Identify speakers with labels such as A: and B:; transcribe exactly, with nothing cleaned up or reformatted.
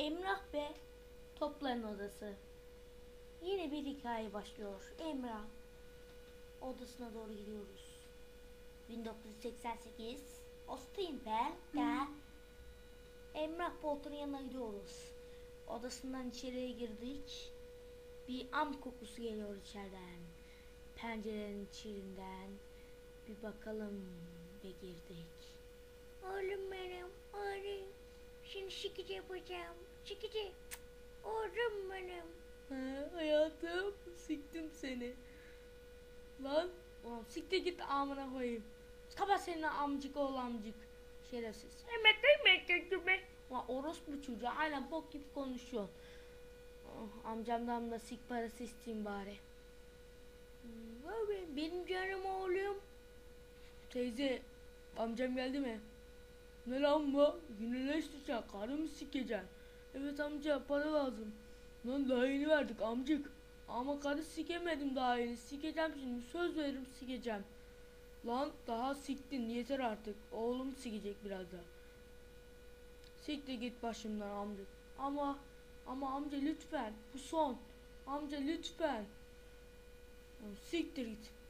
A: Emrah ve Topların Odası. Yeni bir hikaye başlıyor. Emrah odasına doğru gidiyoruz. bin dokuz yüz seksen sekiz Osteenberg'de Emrah Bolton'un yanına gidiyoruz. Odasından içeriye girdik. Bir am kokusu geliyor içeriden. Pencerenin içinden bir bakalım ve girdik. Oğlum benim, oğlum. Şimdi şikici yapacağım. Şikici. Oğlum benim.
B: He hayatım, siktim seni. Lan
A: Ulan siktir git amına koyayım. Kapat senin amcık oğlu amcık. Şerefsiz.
B: emek emek emek.
A: Ulan orospu çocuğu aynen bok gibi konuşuyor. Oh, amcamdan da sik parası isteyeyim bari. Hmm, benim canım oğlum.
B: Teyze, amcam geldi mi? Ne lan bu? Yine ne isteyeceksin? Karı mı sikeceksin? Evet amca, para lazım. Lan daha yeni verdik amcık. Ama karı sikemedim daha yeni. Sikeceğim şimdi, söz veririm sikeceğim. Lan daha siktin, yeter artık. Oğlum sikecek biraz daha. Siktir git başımdan amca. Ama ama amca lütfen, bu son. Amca lütfen. Siktir git.